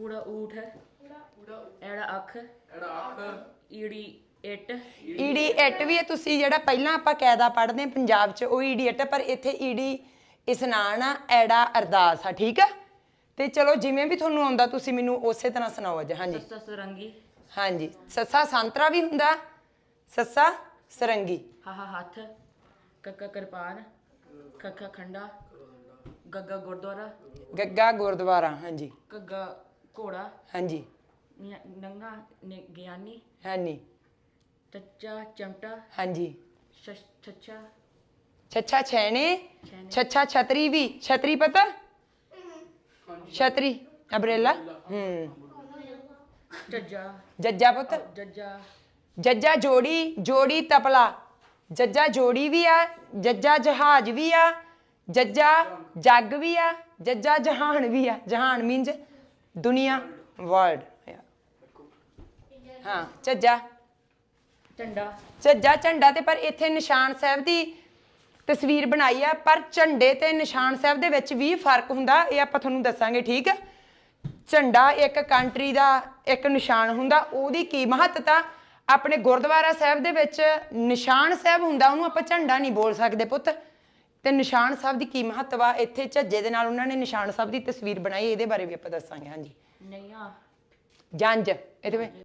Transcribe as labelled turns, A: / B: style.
A: ਊੜਾ ਊਠ ਐੜਾ ਅੱਖ ਈੜੀ ਇੱਟ
B: ਈੜੀ ਇੱਟ ਵੀ ਹੈ। ਤੁਸੀਂ ਜਿਹੜਾ ਪਹਿਲਾਂ ਆਪਾਂ ਕਾਇਦਾ ਪੜ੍ਹਦੇ ਪੰਜਾਬ 'ਚ ਉਹ ਈੜੀ ਇੱਟ, ਪਰ ਇੱਥੇ ਈੜੀ ਇਸਨਾਨ ਆ, ਐੜਾ ਅਰਦਾਸ ਆ। ਠੀਕ ਆ, ਤੇ ਚਲੋ ਜਿਵੇਂ ਵੀ ਤੁਹਾਨੂੰ ਆਉਂਦਾ ਤੁਸੀਂ ਮੈਨੂੰ ਉਸੇ ਤਰ੍ਹਾਂ ਸੁਣਾਓ ਅੱਜ। ਹਾਂਜੀ
A: ਸੱਸਾ ਸਰੰਗੀ
B: ਹਾਂਜੀ, ਸੱਸਾ ਸੰਤਰਾ ਵੀ ਹੁੰਦਾ, ਸੱਸਾ ਸਰੰਗੀ।
A: ਹਾਹਾ ਹੱਥ ਕੱਕਾ ਕਿਰਪਾਨ ਖੱਖਾ ਖੰਡਾ ਗੱਗਾ ਗੁਰਦੁਆਰਾ
B: ਗੱਗਾ ਗੁਰਦੁਆਰਾ। ਹਾਂਜੀ
A: ਘੱਗਾ ਘੋੜਾ
B: ਹਾਂਜੀ
A: ਨੰਗਾ ਗਿਆਨੀ
B: ਹਾਂਜੀ
A: ਚੱਚਾ ਚਮਟਾ
B: ਹਾਂਜੀ
A: ਛੱਛਾ
B: ਛੱਛਾ ਛੈਣੇ, ਛੱਛਾ ਛਤਰੀ ਵੀ। ਛਤਰੀ ਪਤਾ? ਛਤਰੀ ਅਬਰੇਲਾ।
A: ਜੱਜਾ
B: ਜੱਜਾ ਪੁੱਤ।
A: ਜੱਜਾ
B: ਜੱਜਾ ਜੋੜੀ, ਜੋੜੀ ਤਪਲਾ। ਜੱਜਾ ਜੋੜੀ ਵੀ ਆ, ਜੱਜਾ ਜਹਾਜ਼ ਵੀ ਆ, ਜੱਜਾ ਜੱਗ ਵੀ ਆ, ਜੱਜਾ ਜਹਾਨ ਵੀ ਆ। ਜਹਾਨ ਮੀਨਜ਼ ਦੁਨੀਆ, ਵਰਲਡ। ਹਾਂ ਝੱਜਾ
A: ਝੰਡਾ
B: ਝੱਜਾ ਝੰਡਾ। ਤੇ ਪਰ ਇੱਥੇ ਨਿਸ਼ਾਨ ਸਾਹਿਬ ਦੀ ਤਸਵੀਰ ਬਣਾਈ ਆ, ਪਰ ਝੰਡੇ ਤੇ ਨਿਸ਼ਾਨ ਸਾਹਿਬ ਦੇ ਵਿੱਚ ਵੀ ਫਰਕ ਹੁੰਦਾ, ਇਹ ਆਪਾਂ ਤੁਹਾਨੂੰ ਦੱਸਾਂਗੇ। ਠੀਕ ਆ, ਝੰਡਾ ਇੱਕ ਕੰਟਰੀ ਦਾ ਇੱਕ ਨਿਸ਼ਾਨ ਹੁੰਦਾ, ਉਹਦੀ ਕੀ ਮਹੱਤਤਾ। ਆਪਣੇ ਗੁਰਦੁਆਰਾ ਸਾਹਿਬ ਦੇ ਵਿੱਚ ਨਿਸ਼ਾਨ ਸਾਹਿਬ ਹੁੰਦਾ, ਉਹਨੂੰ ਆਪਾਂ ਝੰਡਾ ਨਹੀਂ ਬੋਲ ਸਕਦੇ ਪੁੱਤ। ਤੇ ਨਿਸ਼ਾਨ ਸਾਹਿਬ ਦੀ ਕੀ ਮਹੱਤਵ ਆ, ਇੱਥੇ ਝੱਜੇ ਦੇ ਨਾਲ ਉਹਨਾਂ ਨੇ ਨਿਸ਼ਾਨ ਸਾਹਿਬ ਦੀ ਤਸਵੀਰ ਬਣਾਈ, ਇਹਦੇ ਬਾਰੇ ਵੀ ਆਪਾਂ ਦੱਸਾਂਗੇ। ਹਾਂਜੀ
A: ਨਈਆਂ
B: ਜੰਝ ਇਹਦੇ ਵਿੱਚ